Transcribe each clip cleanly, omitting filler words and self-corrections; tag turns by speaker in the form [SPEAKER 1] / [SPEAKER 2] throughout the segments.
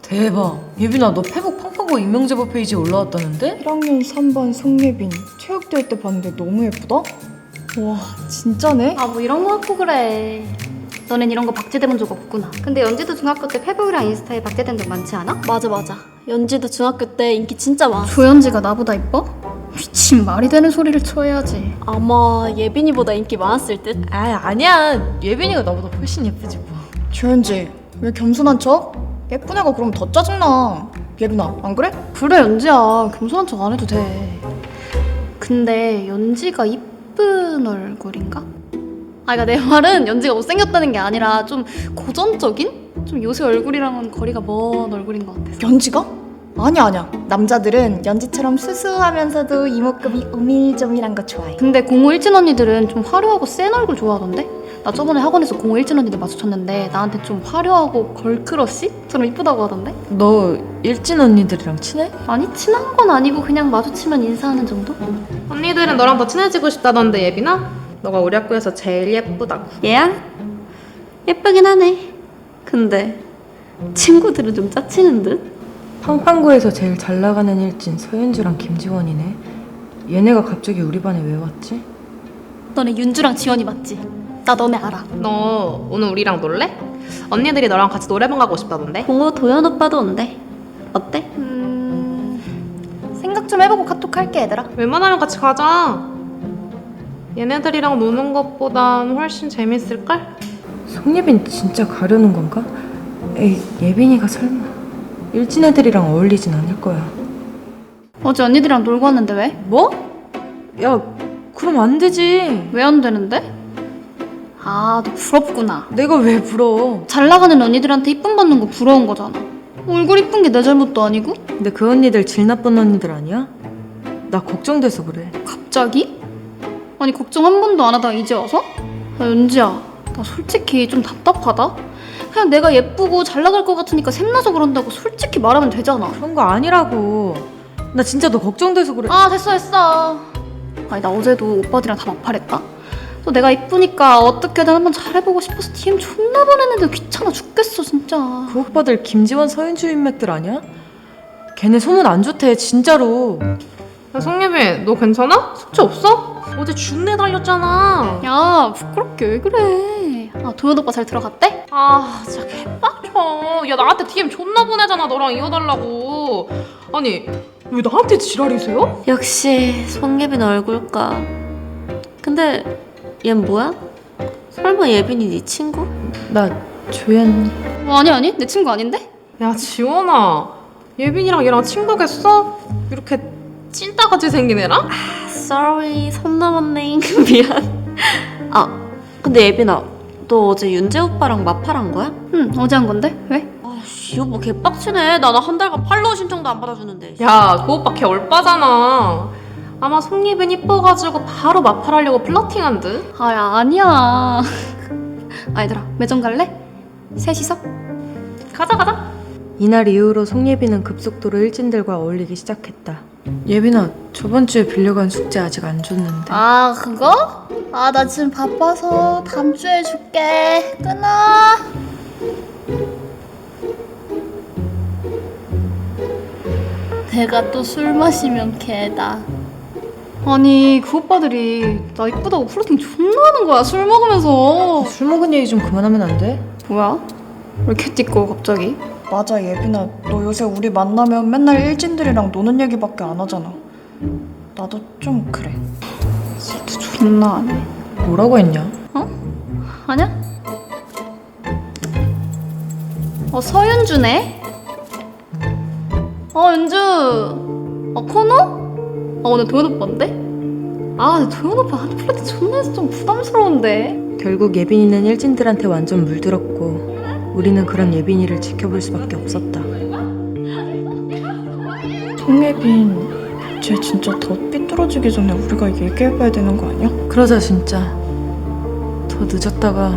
[SPEAKER 1] 대박. 예빈아, 너 페북 팡팡고 임명제보 페이지에 올라왔다는데?
[SPEAKER 2] 1학년 3반 송예빈. 체육대회 때 봤는데 너무 예쁘다? 와, 진짜네?
[SPEAKER 3] 아 뭐 이런 거 갖고 그래. 너넨 이런 거 박제돼본 적 없구나. 근데 연지도 중학교 때 페북이랑 인스타에 박제된 적 많지 않아?
[SPEAKER 4] 맞아. 연지도 중학교 때 인기 진짜 많았어.
[SPEAKER 3] 조연지가 나보다 이뻐? 미친, 말이 되는 소리를 쳐야지.
[SPEAKER 4] 아마 예빈이보다 인기 많았을 듯?
[SPEAKER 1] 아니야. 예빈이가 나보다 훨씬 예쁘지 뭐.
[SPEAKER 2] 조현지, 왜 겸손한 척? 예쁜 애가 그럼 더 짜증나. 예빈아, 안 그래?
[SPEAKER 3] 그래 연지야, 겸손한 척 안 해도 돼. 근데 연지가 이쁜 얼굴인가? 아, 그러니까 내 말은 연지가 못생겼다는 게 아니라 좀 고전적인? 좀 요새 얼굴이랑은 거리가 먼 얼굴인 것 같아서.
[SPEAKER 2] 연지가? 아니야. 남자들은 연지처럼 수수하면서도 이목구비 오밀조밀한 거 좋아해.
[SPEAKER 3] 근데 0517 언니들은 좀 화려하고 센 얼굴 좋아하던데? 나 저번에 학원에서 0517 언니들 마주쳤는데 나한테 좀 화려하고 걸크러쉬처럼 이쁘다고 하던데?
[SPEAKER 1] 너 일진 언니들이랑 친해?
[SPEAKER 3] 아니, 친한 건 아니고 그냥 마주치면 인사하는 정도?
[SPEAKER 5] 언니들은 너랑 더 친해지고 싶다던데 예빈아? 너가 우리 학교에서 제일 예쁘다고.
[SPEAKER 3] 얘야? 예쁘긴 하네. 근데 친구들은 좀 짜치는 듯?
[SPEAKER 1] 팡팡구에서 제일 잘 나가는 일진 서윤주랑 김지원이네. 얘네가 갑자기 우리 반에 왜 왔지?
[SPEAKER 3] 너네 윤주랑 지원이 맞지? 나 너네 알아.
[SPEAKER 5] 너 오늘 우리랑 놀래? 언니들이 너랑 같이 노래방 가고 싶다던데?
[SPEAKER 3] 공호 도현 오빠도 온대. 어때? 생각 좀 해보고 카톡 할게 얘들아.
[SPEAKER 5] 웬만하면 같이 가자. 얘네들이랑 노는 것보단 훨씬 재밌을걸?
[SPEAKER 1] 송예빈 진짜 가려는 건가? 에이, 예빈이가 설마. 일진 애들이랑 어울리진 않을 거야.
[SPEAKER 3] 어제 언니들이랑 놀고 왔는데 왜?
[SPEAKER 1] 뭐? 야, 그럼 안 되지.
[SPEAKER 3] 왜 안 되는데? 아, 너 부럽구나.
[SPEAKER 1] 내가 왜 부러워?
[SPEAKER 3] 잘 나가는 언니들한테 이쁨 받는 거 부러운 거잖아. 얼굴 이쁜 게 내 잘못도 아니고?
[SPEAKER 1] 근데 그 언니들 질 나쁜 언니들 아니야? 나 걱정돼서 그래.
[SPEAKER 3] 갑자기? 아니 걱정 한 번도 안 하다가 이제 와서? 야, 연지야, 나 솔직히 좀 답답하다? 그냥 내가 예쁘고 잘 나갈 것 같으니까 샘나서 그런다고 솔직히 말하면 되잖아.
[SPEAKER 1] 그런 거 아니라고. 나 진짜 너 걱정돼서 그래.
[SPEAKER 3] 아, 됐어. 아니 나 어제도 오빠들이랑 다 막팔했다. 또 내가 이쁘니까 어떻게든 한번 잘해보고 싶어서 DM 존나 보냈는데 귀찮아 죽겠어 진짜.
[SPEAKER 1] 그 오빠들 김지원 서윤주 인맥들 아니야? 걔네 소문 안 좋대 진짜로.
[SPEAKER 5] 야 송예빈 너 괜찮아? 숙제 없어? 어제 준내 달렸잖아.
[SPEAKER 3] 야, 부끄럽게 왜 그래. 아, 도현 오빠 잘 들어갔대?
[SPEAKER 5] 아 진짜 개빡쳐. 야 나한테 DM 존나 보내잖아 너랑 이어달라고. 아니 왜 나한테 지랄이세요?
[SPEAKER 4] 역시 송예빈 얼굴가. 근데 얜 뭐야? 설마 예빈이 네 친구?
[SPEAKER 1] 나 조연.
[SPEAKER 3] 아니 내 친구 아닌데?
[SPEAKER 5] 야 지원아 예빈이랑 얘랑 친구겠어? 이렇게 찐따같이 생긴 애랑?
[SPEAKER 4] Sorry, 손 넘었네. 미안. 아, 근데 예빈아, 너 어제 윤재 오빠랑 마팔한 거야?
[SPEAKER 3] 응, 어제 한 건데? 왜?
[SPEAKER 4] 아씨, 이 오빠 개빡치네. 나는 한 달간 팔로우 신청도 안 받아주는데.
[SPEAKER 5] 야 그 오빠 걔 얼빠잖아. 아마 송예빈 이뻐가지고 바로 마팔하려고 플러팅한 듯?
[SPEAKER 3] 아, 야, 아니야. 아, 얘들아, 매점 갈래? 셋이서?
[SPEAKER 5] 가자.
[SPEAKER 1] 이날 이후로 송예빈은 급속도로 일진들과 어울리기 시작했다. 예빈아, 저번 주에 빌려간 숙제 아직 안 줬는데.
[SPEAKER 3] 아, 그거? 아, 나 지금 바빠서 다음 주에 줄게. 끊어. 내가 또 술 마시면 개다. 아니, 그 오빠들이 나 이쁘다고 플러팅 존나 하는 거야, 술 먹으면서.
[SPEAKER 1] 술 먹은 얘기 좀 그만하면 안 돼?
[SPEAKER 3] 뭐야? 왜 이렇게 띠꺼 갑자기?
[SPEAKER 2] 맞아, 예빈아. 너 요새 우리 만나면 맨날 일진들이랑 노는 얘기밖에 안 하잖아. 나도 좀 그래.
[SPEAKER 3] 말도 존나 하네.
[SPEAKER 1] 뭐라고 했냐?
[SPEAKER 3] 아냐? 서윤주네? 윤주. 코너? 오늘 도현 오빠인데? 아, 근데 도현 오빠한테 플러팅 존나 해서 좀 부담스러운데?
[SPEAKER 1] 결국 예빈이는 일진들한테 완전 물들었고 우리는 그런 예빈이를 지켜볼 수밖에 없었다.
[SPEAKER 2] 송예빈, 쟤 진짜 더 삐뚤어지기 전에 우리가 얘기해봐야 되는 거 아니야?
[SPEAKER 1] 그러자 진짜. 더 늦었다가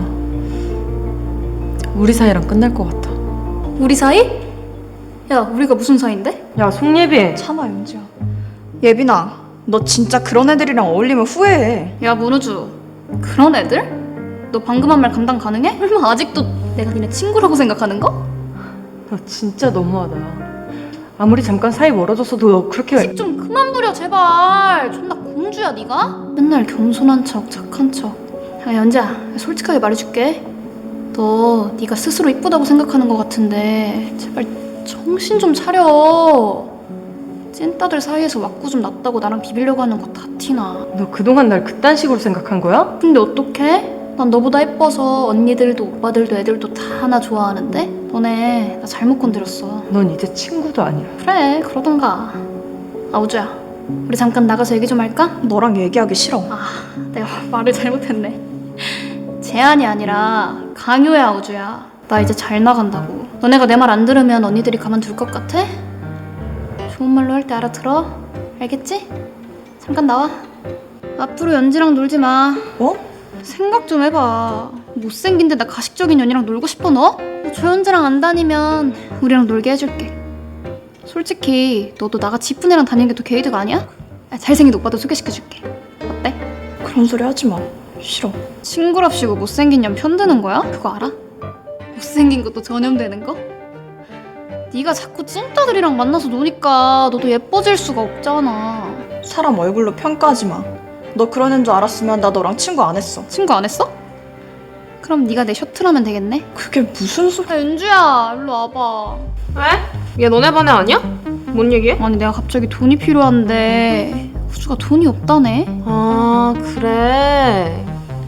[SPEAKER 1] 우리 사이랑 끝날 것 같아.
[SPEAKER 3] 우리 사이? 야, 우리가 무슨 사이인데?
[SPEAKER 1] 야, 송예빈.
[SPEAKER 2] 참아, 연지야. 예빈아, 너 진짜 그런 애들이랑 어울리면 후회해.
[SPEAKER 3] 야, 문우주. 그런 애들? 너 방금 한 말 감당 가능해? 설마 아직도 내가 니네 친구라고 생각하는 거?
[SPEAKER 1] 너 진짜 너무하다. 아무리 잠깐 사이 멀어졌어도 너 그렇게
[SPEAKER 3] 식 좀 그만 부려 제발. 존나 공주야 네가? 맨날 겸손한 척 착한 척. 야 연지야 솔직하게 말해줄게. 너 네가 스스로 이쁘다고 생각하는 것 같은데 제발 정신 좀 차려. 찐따들 사이에서 왁구 좀 났다고 나랑 비비려고 하는 거 다 티나.
[SPEAKER 1] 너 그동안 날 그딴 식으로 생각한 거야?
[SPEAKER 3] 근데 어떡해? 난 너보다 예뻐서 언니들도 오빠들도 애들도 다 나 좋아하는데? 너네 나 잘못 건드렸어.
[SPEAKER 1] 넌 이제 친구도 아니야.
[SPEAKER 3] 그래 그러던가. 아 우주야 우리 잠깐 나가서 얘기 좀 할까?
[SPEAKER 2] 너랑 얘기하기 싫어.
[SPEAKER 3] 아 내가 말을 잘못했네. 제안이 아니라 강요야 우주야. 나 이제 잘 나간다고. 너네가 내 말 안 들으면 언니들이 가만둘 것 같아? 좋은 말로 할 때 알아들어? 알겠지? 잠깐 나와. 앞으로 연지랑 놀지 마.
[SPEAKER 2] 뭐?
[SPEAKER 3] 생각 좀 해봐. 못생긴 데다 가식적인 년이랑 놀고 싶어 너? 너 조연지랑 안 다니면 우리랑 놀게 해줄게. 솔직히 너도 나같이 이쁜 애랑 다니는 게 더 게이드가 아니야? 야, 잘생긴 오빠도 소개시켜줄게. 어때?
[SPEAKER 2] 그런 소리 하지 마. 싫어.
[SPEAKER 3] 친구랍시고 못생긴 년 편드는 거야? 그거 알아? 못생긴 것도 전염되는 거? 네가 자꾸 찐따들이랑 만나서 노니까 너도 예뻐질 수가 없잖아.
[SPEAKER 2] 사람 얼굴로 평가하지 마. 너 그런 애인 줄 알았으면 나 너랑 친구 안 했어.
[SPEAKER 3] 친구 안 했어? 그럼 네가 내 셔틀하면 되겠네?
[SPEAKER 2] 그게 무슨 소리?
[SPEAKER 3] 야 윤주야 일로 와봐.
[SPEAKER 5] 왜? 얘 너네 반애 아니야? 뭔 얘기해?
[SPEAKER 3] 아니 내가 갑자기 돈이 필요한데 우주가 돈이 없다네?
[SPEAKER 5] 아 그래.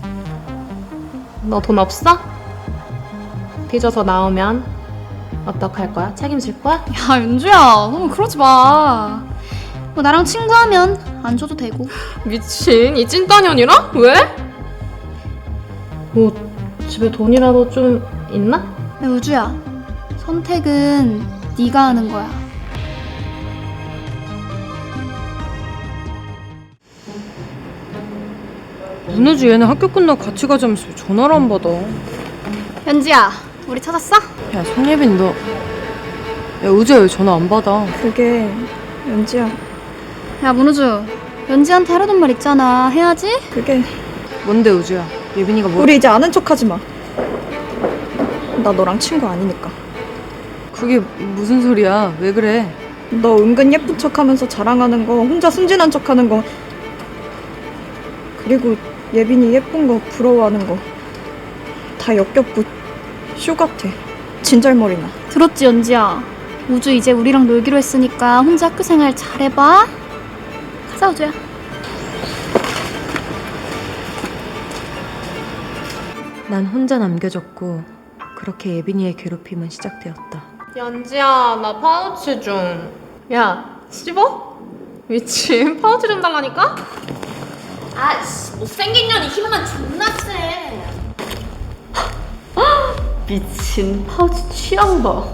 [SPEAKER 5] 너 돈 없어? 빚어서 나오면 어떡할 거야? 책임질 거야?
[SPEAKER 3] 야 윤주야 너무 그러지 마. 뭐 나랑 친구하면 안 줘도 되고.
[SPEAKER 5] 미친 이 찐따년이랑? 왜? 뭐 집에 돈이라도 좀 있나?
[SPEAKER 3] 야, 우주야 선택은 네가 하는 거야.
[SPEAKER 1] 문우주 얘는 학교 끝나고 같이 가자면서 왜 전화를 안 받아.
[SPEAKER 3] 연지야 우리 찾았어?
[SPEAKER 1] 야 송예빈 너. 야 우주야 왜 전화 안 받아?
[SPEAKER 2] 그게 연지야.
[SPEAKER 3] 야 문우주 연지한테 하려던 말 있잖아. 해야지.
[SPEAKER 2] 그게
[SPEAKER 1] 뭔데 우주야? 예빈이가 뭐?
[SPEAKER 2] 우리 이제 아는 척하지 마. 나 너랑 친구 아니니까.
[SPEAKER 1] 그게 무슨 소리야? 왜 그래?
[SPEAKER 2] 너 은근 예쁜 척하면서 자랑하는 거, 혼자 순진한 척하는 거, 그리고 예빈이 예쁜 거 부러워하는 거 다 역겹고 쇼 같아. 진절머리나.
[SPEAKER 3] 들었지 연지야. 우주 이제 우리랑 놀기로 했으니까 혼자 학교 생활 잘해봐. 가자 우주야.
[SPEAKER 1] 난 혼자 남겨졌고 그렇게 예빈이의 괴롭힘은 시작되었다.
[SPEAKER 5] 연지야 나 파우치 좀. 야 씹어? 미친 파우치 좀 달라니까?
[SPEAKER 4] 아씨 못생긴 년이 힘만 존나 세. 미친 파우치 취향 봐.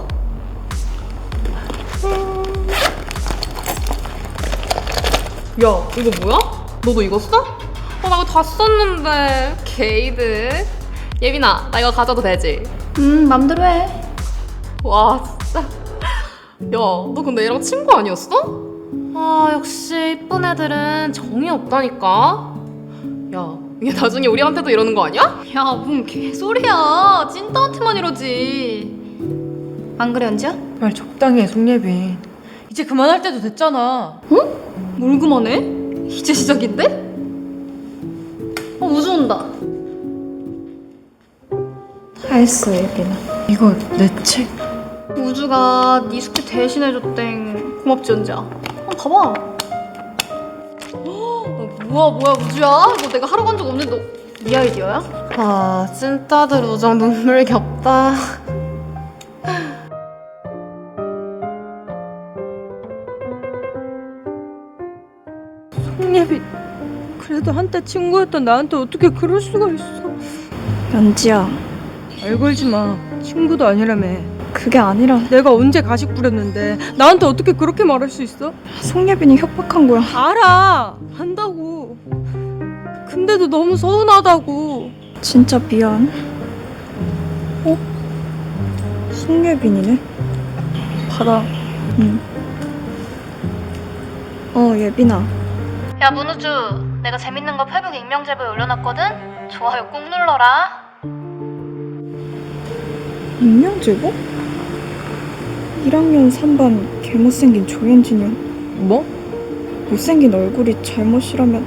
[SPEAKER 5] 야 이거 뭐야? 너도 이거 써? 나 이거 다 썼는데. 게이드. 예빈아 나 이거 가져도 되지?
[SPEAKER 3] 맘대로 해.
[SPEAKER 5] 와 진짜. 야 너 근데 얘랑 친구 아니었어? 아 역시 이쁜 애들은 정이 없다니까. 야 이게 나중에 우리한테도 이러는 거 아니야?
[SPEAKER 3] 야, 뭔 개소리야. 찐따한테만 이러지. 안 그래, 연지야?
[SPEAKER 1] 말 적당히 해 송예빈. 이제 그만할 때도 됐잖아.
[SPEAKER 3] 뭘 그만해? 이제 시작인데? 우주 온다.
[SPEAKER 2] 다 했어, 예빈아.
[SPEAKER 1] 이거 내 책.
[SPEAKER 3] 우주가 네 숙제 대신해줬땡. 고맙지, 연지야. 봐봐. 뭐야, 우주야? 이거 내가 하러 간 적 없는데 네 아이디어야?
[SPEAKER 5] 아 찐따들 우정 눈물 겹다.
[SPEAKER 1] 송예빈. 그래도 한때 친구였던 나한테 어떻게 그럴 수가 있어.
[SPEAKER 2] 연지야,
[SPEAKER 1] 알 걸지 마. 친구도 아니라며.
[SPEAKER 2] 그게 아니라
[SPEAKER 1] 내가 언제 가식 부렸는데 나한테 어떻게 그렇게 말할 수 있어?
[SPEAKER 2] 송예빈이 협박한 거야.
[SPEAKER 1] 알아. 한다고. 근데도 너무 서운하다고.
[SPEAKER 2] 진짜 미안. 어? 송예빈이네?
[SPEAKER 1] 받아.
[SPEAKER 2] 응. 예빈아.
[SPEAKER 3] 야, 문우주. 내가 재밌는 거 페북 익명 제보에 올려놨거든? 좋아요 꼭 눌러라.
[SPEAKER 2] 익명 제보? 1학년 3반 개못생긴 조현진이요.
[SPEAKER 1] 뭐?
[SPEAKER 2] 못생긴 얼굴이 잘못이라면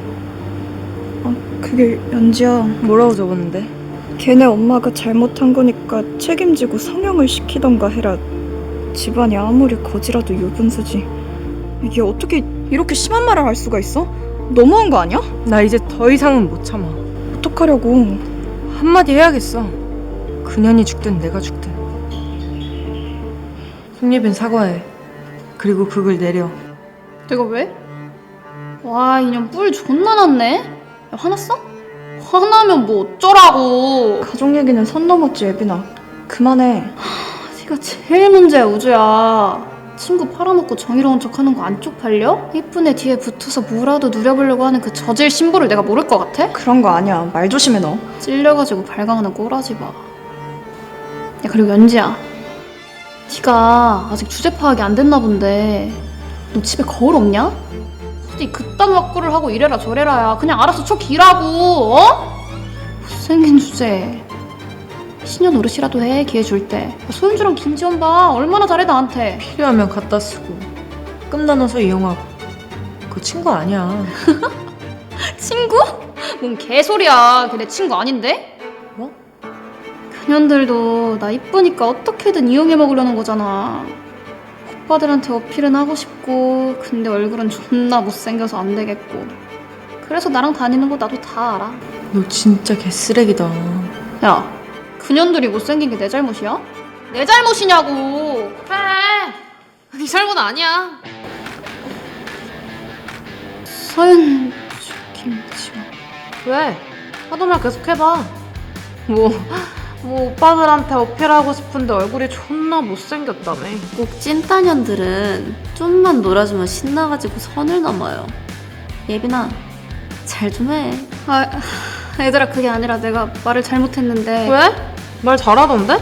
[SPEAKER 2] 그게 연지야.
[SPEAKER 1] 뭐라고 적었는데?
[SPEAKER 2] 걔네 엄마가 잘못한 거니까 책임지고 성형을 시키던가 해라. 집안이 아무리 거지라도 유분수지. 이게 어떻게 이렇게 심한 말을 할 수가 있어? 너무한 거 아니야?
[SPEAKER 1] 나 이제 더 이상은 못 참아.
[SPEAKER 2] 어떡하려고.
[SPEAKER 1] 한마디 해야겠어. 그년이 죽든 내가 죽든. 송예빈 사과해. 그리고 그걸 내려.
[SPEAKER 3] 내가 왜? 와, 이년 뿔 존나 났네? 야, 화났어? 화나면 뭐 어쩌라고.
[SPEAKER 2] 가족 얘기는 선 넘었지, 예빈아. 그만해.
[SPEAKER 3] 네가 제일 문제야, 우주야. 친구 팔아먹고 정의로운 척하는 거 안 쪽팔려? 이쁜 애 뒤에 붙어서 뭐라도 누려보려고 하는 그 저질 심보를 내가 모를 것 같아?
[SPEAKER 2] 그런 거 아니야. 말 조심해, 너.
[SPEAKER 3] 찔려가지고 발광하는 꼬라지 마. 야, 그리고 연지야, 네가 아직 주제 파악이 안 됐나 본데 너 집에 거울 없냐? 어디 그딴 왁구를 하고 이래라 저래라야. 그냥 알아서 쳐 기라고. 어? 못생긴 주제. 신년 노릇이라도 해, 기회 줄 때. 야, 소윤주랑 김지원 봐, 얼마나 잘해 나한테.
[SPEAKER 1] 필요하면 갖다 쓰고 끔 나눠서 이용하고. 그거 친구 아니야.
[SPEAKER 3] 친구? 뭔 개소리야. 걔 내 친구 아닌데?
[SPEAKER 1] 뭐?
[SPEAKER 3] 그년들도 나 이쁘니까 어떻게든 이용해 먹으려는 거잖아. 오빠들한테 어필은 하고 싶고 근데 얼굴은 존나 못생겨서 안 되겠고. 그래서 나랑 다니는 거 나도 다 알아.
[SPEAKER 1] 너 진짜 개쓰레기다.
[SPEAKER 3] 야, 그년들이 못생긴 게 내 잘못이야? 내 잘못이냐고.
[SPEAKER 5] 그래. 네 잘못 아니야.
[SPEAKER 3] 서윤주 김지원.
[SPEAKER 5] 왜? 하던 말 계속 해봐. 뭐 오빠들한테 어필하고 싶은데 얼굴이 존나 못생겼다며.
[SPEAKER 4] 꼭 찐따년들은 좀만 놀아주면 신나가지고 선을 넘어요. 예빈아, 잘 좀 해.
[SPEAKER 3] 아, 얘들아, 그게 아니라 내가 말을 잘못했는데.
[SPEAKER 5] 왜? 말 잘하던데?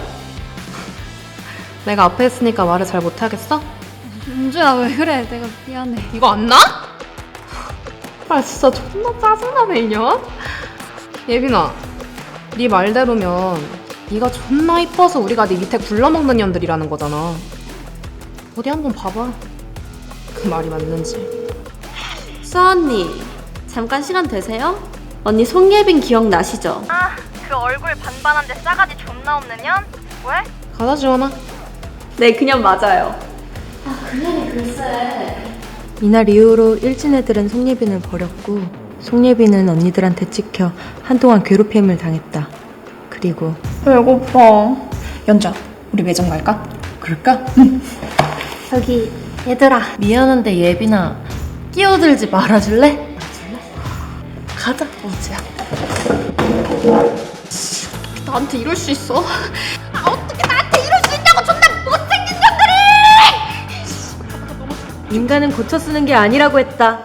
[SPEAKER 5] 내가 앞에 있으니까 말을 잘 못하겠어?
[SPEAKER 3] 윤주야, 왜 그래. 내가 미안해.
[SPEAKER 5] 이거 안 나? 아 진짜 존나 짜증나네 이년. 예빈아, 네 말대로면 네가 존나 이뻐서 우리가 네 밑에 굴러먹는 년들이라는 거잖아. 어디 한번 봐봐. 그 말이 맞는지.
[SPEAKER 4] 수아언니, 잠깐 시간 되세요? 언니 송예빈 기억나시죠?
[SPEAKER 6] 아, 그 얼굴 반반한데 싸가지 존나 없는 년? 왜?
[SPEAKER 5] 가자 지원아.
[SPEAKER 4] 네, 그냥 맞아요.
[SPEAKER 1] 이날 이후로 일진 애들은 송예빈을 버렸고 송예빈은 언니들한테 찍혀 한동안 괴롭힘을 당했다. 그리고
[SPEAKER 2] 배고파. 연자, 우리 매점 갈까?
[SPEAKER 1] 그럴까?
[SPEAKER 4] 저기, 얘들아.
[SPEAKER 1] 미안한데 예빈아 끼어들지 말아줄래? 가자 우지야.
[SPEAKER 3] 나한테 이럴 수 있어?
[SPEAKER 1] 인간은 고쳐 쓰는 게 아니라고 했다.